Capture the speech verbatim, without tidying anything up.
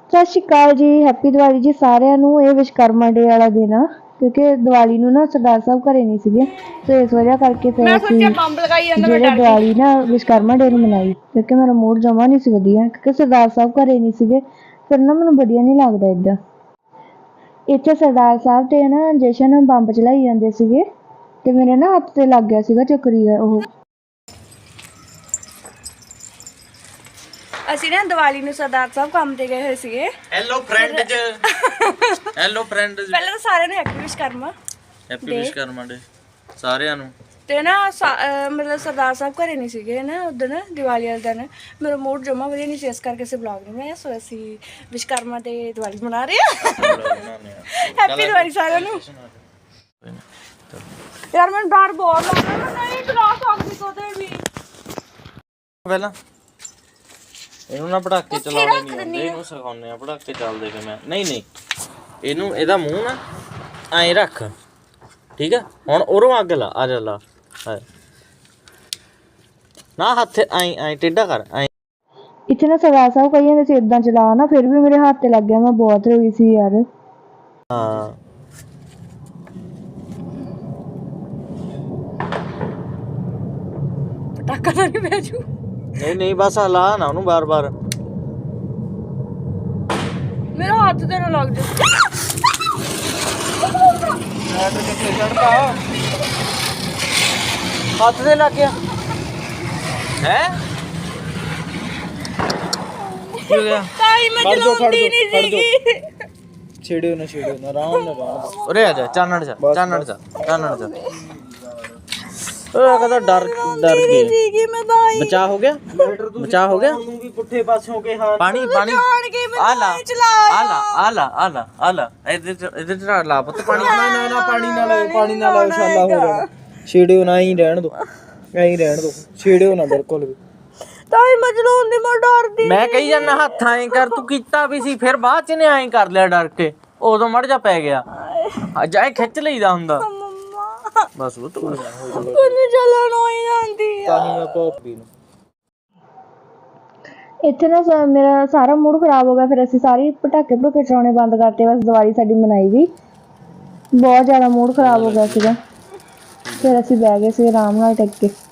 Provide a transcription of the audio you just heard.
ਸਤਿ ਸ਼੍ਰੀ ਅਕਾਲ ਜੀ। ਹੈਪੀ ਦੀਵਾਲੀ ਜੀ ਸਾਰਿਆਂ ਨੂੰ। ਇਹ ਵਿਸ਼ਕਰਮਾ ਡੇ ਵਾਲਾ ਦਿਨ ਆ ਕਿਉਂਕਿ ਦੀਵਾਲੀ ਨੂੰ ਨਾ ਸਰਦਾਰ ਸਾਹਿਬ ਘਰੇ ਨਹੀਂ ਸੀਗੇ, ਤੇ ਇਸ ਵਜ੍ਹਾ ਕਰਕੇ ਫਿਰ ਅਸੀਂ ਜਿਹੜੇ ਦੀਵਾਲੀ ਨਾ ਵਿਸ਼ਕਰਮਾ ਡੇ ਨੂੰ ਮਨਾਈ, ਕਿਉਂਕਿ ਮੇਰਾ ਮੂਡ ਜਮਾ ਨਹੀਂ ਸੀ ਵਧੀਆ ਕਿਉਂਕਿ ਸਰਦਾਰ ਸਾਹਿਬ ਘਰੇ ਨਹੀਂ ਸੀਗੇ। ਫਿਰ ਨਾ ਮੈਨੂੰ ਵਧੀਆ ਨਹੀਂ ਲੱਗਦਾ ਇੱਦਾਂ। ਇੱਥੇ ਸਰਦਾਰ ਸਾਹਿਬ ਤੇ ਨਾ ਜਸ਼ਨ ਬੰਬ ਚਲਾਈ ਜਾਂਦੇ ਸੀਗੇ ਤੇ ਮੇਰੇ ਨਾ ਹੱਥ ਤੇ ਲੱਗ ਗਿਆ ਸੀਗਾ ਚੱਕਰੀ ਦਾ ਉਹ। ਅਸੀਂ ਨਾ ਦੀਵਾਲੀ ਨੂੰ ਸਰਦਾਰ ਸਾਹਿਬ ਕੰਮ ਤੇ ਗਏ ਹੋਏ ਸੀਗੇ। Hello friend ji, hello friend ji. ਪਹਿਲਾਂ ਤਾਂ ਸਾਰਿਆਂ ਨੂੰ happy Vishwakarma happy Vishwakarma day ਸਾਰਿਆਂ ਨੂੰ। ਤੇ ਨਾ ਮਤਲਬ ਸਰਦਾਰ ਸਾਹਿਬ ਘਰੇ ਨਹੀਂ ਸੀਗੇ ਨਾ ਉਦਣ ਦੀਵਾਲੀ ਵਾਲੇ ਦਿਨ। ਮੇਰਾ ਮੂਡ ਜਮਾ ਵਧੀਆ ਨਹੀਂ ਸੀ, ਇਸ ਕਰਕੇ ਅਸੀਂ ਵਲੌਗ ਨਹੀਂ ਬਣਾਇਆ। ਸੋ ਅਸੀਂ ਵਿਸ਼ਕਰਮਾ ਤੇ ਦੀਵਾਲੀ ਮਨਾ ਰਹੇ ਹਾਂ। ਹੈਪੀ ਦੀਵਾਲੀ ਸਾਰਿਆਂ ਨੂੰ। ਯਾਰ ਮੈਨੂੰ ਡਰ ਬਹੁਤ ਲੱਗਦਾ, ਮੈਂ ਨਹੀਂ ਚਲਾ ਸਕਦੀ ਕਦੇ ਵੀ। ਪਹਿਲਾਂ ਇਹਨੂੰ ਨਾ ਪਟਾਕੇ ਚਲਾਉਣੇ ਨਹੀਂ ਆਉਂਦੇ, ਇਹਨੂੰ ਸਿਖਾਉਂਦੇ ਆ ਪਟਾਕੇ ਚੱਲਦੇ ਕਿਵੇਂ। ਨਹੀਂ ਨਹੀਂ ਇਹਨੂੰ ਇਹਦਾ ਮੂੰਹ ਨਾ ਐਂ ਰੱਖ, ਠੀਕ ਆ। ਹੁਣ ਉਰੋਂ ਅੱਗ ਲਾ, ਆ ਜਾ ਲਾ ਨਾ, ਹੱਥ ਐਂ ਐਂ ਟੇਢਾ ਕਰ ਐਂ। ਇੱਥੇ ਨਾ ਸਰਦਾਰ ਸਾਹਿਬ ਕਹੀ ਜਾਂਦੇ ਸੀ ਏਦਾਂ ਚਲਾ ਨਾ, ਫਿਰ ਵੀ ਮੇਰੇ ਹੱਥ ਤੇ ਲੱਗ ਗਿਆ। ਮੈਂ ਬਹੁਤ ਰੋਈ ਸੀ ਯਾਰ। ਹਾਂ ਪਟਾਕਾ ਤਾਂ ਨਹੀਂ ਪੈ ਜੂ। ਨਹੀਂ ਨਹੀਂ ਬਸ ਲਾ ਨਾ ਉਹਨੂੰ ਬਾਰ ਬਾਰ। ਮੇਰਾ ਹੱਥ ਤੇ ਨਾ ਲੱਗ ਜਾ। ਕਿੱਥੇ ਚੜਦਾ ਹੱਥ ਤੇ ਲੱਗ ਗਿਆ ਹੈ। ਕੀ ਹੋ ਗਿਆ? ਤਾਈ ਮੈਂ ਚਲਾਉਂਦੀ ਨਹੀਂ ਸੀਗੀ। ਛੇੜਿਓ ਨਾ ਛੇੜਿਓ ਨਾ, ਆਰਾਮ ਨਾਲ ਰਹਿਣ। ਉਰੇ ਆ ਜਾ, ਚਾਨਣ ਜਾ ਚਾਨਣ ਜਾ ਚਾਨਣ ਜਾ। ਉਹ ਕਹਿੰਦਾ ਡਰ ਡਰ ਗਈ ਸੀਗੀ ਮੈਂ ਤਾਈ। ਬਚਾ ਹੋ ਗਿਆ, ਬਚਾ ਹੋ ਗਿਆ। ਤੂੰ ਵੀ ਪੁੱਠੇ ਪਾਸੋਂ ਕੇ ਹਾਂ ਪਾਣੀ ਪਾਣੀ ਆ ਲਾ ਆ ਲਾ ਆ ਲਾ ਆ ਲਾ ਆ ਲਾ ਇਹਦੇ ਚ ਇਹਦੇ ਚ ਲਾ ਪੁੱਤ ਪਾਣੀ। ਨਾ ਨਾ ਨਾ ਪਾਣੀ ਨਾ ਲਾਓ, ਪਾਣੀ ਨਾ ਲਾਓ, ਛਾਲਾ ਹੋ ਜਾਣਾ। ਛੇੜਿਓ ਨਾ, ਹੀ ਰਹਿਣ ਦੋ, ਐਂ ਰਹਿਣ ਦੋ, ਛੇੜਿਓ ਨਾ ਬਿਲਕੁਲ ਵੀ। ਤਾਈ ਮੈਂ ਚਲਾਉਂਦੀ, ਮੈਂ ਡਰਦੀ। ਮੈਂ ਕਹੀ ਜਾਂਦਾ ਹੱਥ ਐਂ ਕਰ, ਤੂੰ ਕੀਤਾ ਵੀ ਸੀ, ਫਿਰ ਬਾਅਦ ਚ ਨੇ ਐਂ ਕਰ ਲਿਆ ਡਰ ਕੇ, ਉਦੋਂ ਮੜ ਜਾ ਪੈ ਗਿਆ। ਅੱਜ ਐਂ ਖਿੱਚ ਲਈਦਾ ਹੁੰਦਾ ਬਸ। ਉਹ ਤੋਂ ਕਿੰਨੀ ਚੱਲਣ ਹੋਈ ਜਾਂਦੀ ਆ। ਤਾਂ ਹੀ ਮੈਂ ਪੋਪੀ ਨੂੰ ਇੱਥੇ ਨਾ ਮੇਰਾ ਸਾਰਾ ਮੂਡ ਖਰਾਬ ਹੋ ਗਿਆ। ਫਿਰ ਅਸੀਂ ਸਾਰੇ ਪਟਾਕੇ ਪਟੂਕੇ ਚਲਾਉਣੇ ਬੰਦ ਕਰਤੇ। ਬਸ ਦੀਵਾਲੀ ਸਾਡੀ ਮਨਾਈ ਗਈ। ਬਹੁਤ ਜ਼ਿਆਦਾ ਮੂਡ ਖਰਾਬ ਹੋ ਗਿਆ ਸੀਗਾ। ਫਿਰ ਅਸੀਂ ਬਹਿ ਗਏ ਸੀ ਆਰਾਮ ਨਾਲ ਟਿਕ ਕੇ।